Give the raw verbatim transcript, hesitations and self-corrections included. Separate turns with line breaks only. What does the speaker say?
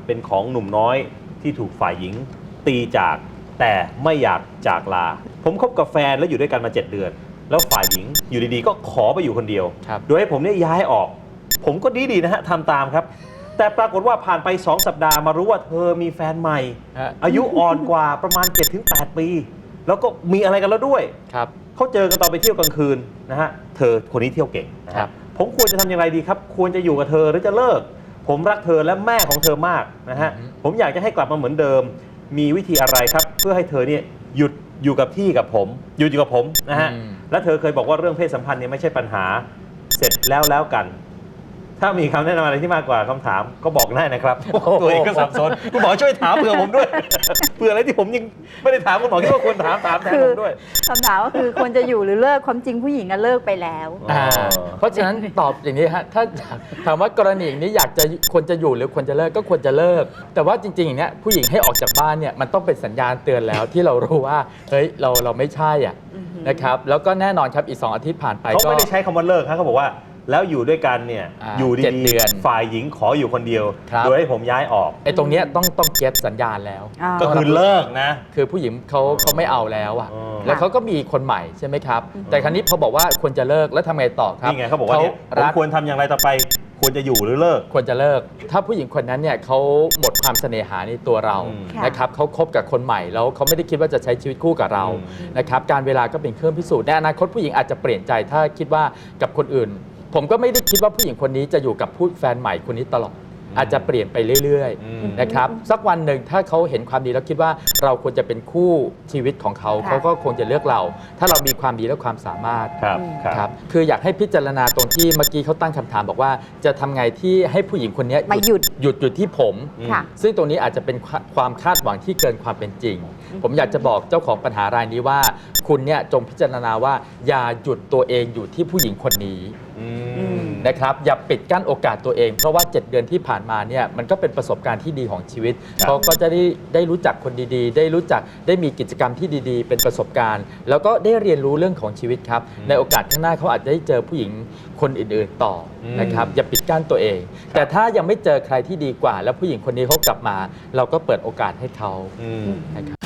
เป็นของหนุ่มน้อยที่ถูกฝ่ายหญิงตีจากแต่ไม่อยากจากลาผมคบกับแฟนแล้วอยู่ด้วยกันมาเจ็ดเดือนแล้วฝ่ายหญิงอยู่ดีๆก็ขอไปอยู่คนเดียวโดยให้ผมเนี่ยย้ายออกผมก็ดีๆนะฮะทำตามครับแต่ปรากฏว่าผ่านไปสองสัปดาห์มารู้ว่าเธอมีแฟนใหม่อายุอ่อนกว่าประมาณ เจ็ดถึงแปด ปีแล้วก็มีอะไรกันแล้วด้วยครับเขาเจอกันตอนไปเที่ยวกลางคืนนะฮะเธอคนนี้เที่ยวเก่งนะครับผมควรจะทำอย่างไรดีครับควรจะอยู่กับเธอหรือจะเลิกผมรักเธอและแม่ของเธอมากนะฮะผมอยากจะให้กลับมาเหมือนเดิมมีวิธีอะไรครับเพื่อให้เธอเนี่ยหยุดอยู่กับที่กับผมหยุดอยู่กับผมนะฮะและเธอเคยบอกว่าเรื่องเพศสัมพันธ์เนี่ยไม่ใช่ปัญหาเสร็จแล้วแล้วกันถ้ามีคำแนะนำอะไรที่มากกว่าคำถามก็บอกได้นะครับตัวเองก็สับสนคุณหมอช่วยถามเผื่อผมด้วยเผื่ออะไรที่ผมยังไม่ได้ถามคุณหมอคิดว่าควรถามถามแทนผมด้วย
คำถามก็คือควรจะอยู่หรือเลิกความจริงผู้หญิงก็เลิกไปแล้ว
เพราะฉะนั้นตอบอย่างนี้ฮะถ้าถามว่ากรณีอย่างนี้อยากจะควรจะอยู่หรือควรจะเลิกก็ควรจะเลิกแต่ว่าจริงๆอย่างนี้ผู้หญิงให้ออกจากบ้านเนี่ยมันต้องเป็นสัญญาณเตือนแล้วที่เรารู้ว่าเฮ้ยเราเราไม่ใช่อ่ะนะครับแล้วก็แน่นอนครับอีกสองอาทิตย์ผ่านไป
เขาไม่ได้ใช้คำว่าเลิกครับเขาบอกว่าแล้วอยู่ด้วยกันเนี่ยอยู่ดีๆฝ่ายหญิงขออยู่คนเดียวโดยให้ผมย้ายออก
ไอ้ตรงนี้ต้องต้องเก็ตสัญญาณแล้ว
ก็คือเลิกนะ
คือผู้หญิงเขาเขาไม่เอาแล้วอ่ะแล้วเขาก็มีคนใหม่ใช่ไหมครับแต่ครั้นี้พอบอกว่าควรจะเลิกแล้วทำไงต่อครับ
นี่ไงเขาบอกว่าผมควรทำอย่างไรต่อไปควรจะอยู่หรือเลิก
ควรจะเลิกถ้าผู้หญิงคนนั้นเนี่ยเขาหมดความเสน่หาในตัวเรานะครับเขาคบกับคนใหม่แล้วเขาไม่ได้คิดว่าจะใช้ชีวิตคู่กับเรานะครับการเวลาก็เป็นเครื่องพิสูจน์ในอนาคตผู้หญิงอาจจะเปลี่ยนใจถ้าคิดว่ากับคนอื่นผมก็ไม่ได้คิดว่าผู้หญิงคนนี้จะอยู่กับผู้แฟนใหม่คนนี้ตลอดอาจจะเปลี่ยนไปเรื่อยๆนะครับสักวันหนึ่งถ้าเขาเห็นความดีแล้วคิดว่าเราควรจะเป็นคู่ชีวิตของเขาเขาก็คงจะเลือกเราถ้าเรามีความดีและความสามารถ
ครับ
ครับคืออยากให้พิจารณาตรงที่เมื่อกี้เขาตั้งคำถามบอกว่าจะทำไงที่ให้ผู้หญิงคนนี้
หยุด
หยุดหยุดที่ผมซึ่งตรงนี้อาจจะเป็นความคาดหวังที่เกินความเป็นจริงผมอยากจะบอกเจ้าของปัญหารายนี้ว่าคุณเนี่ยจงพิจารณาว่าอย่าหยุดตัวเองอยู่ที่ผู้หญิงคนนี้นะครับอย่าปิดกั้นโอกาสตัวเองเพราะว่าเจ็ดเดือนที่ผ่านมาเนี่ยมันก็เป็นประสบการณ์ที่ดีของชีวิตเขาก็จะได้ได้รู้จักคนดีๆได้รู้จักได้มีกิจกรรมที่ดีๆเป็นประสบการณ์แล้วก็ได้เรียนรู้เรื่องของชีวิตครับในโอกาสข้างหน้าเขาอาจจะได้เจอผู้หญิงคนอื่นๆต่อนะครับอย่าปิดกั้นตัวเองแต่ถ้ายังไม่เจอใครที่ดีกว่าแล้วผู้หญิงคนนี้เขากลับมาเราก็เปิดโอกาสให้เขานะครับ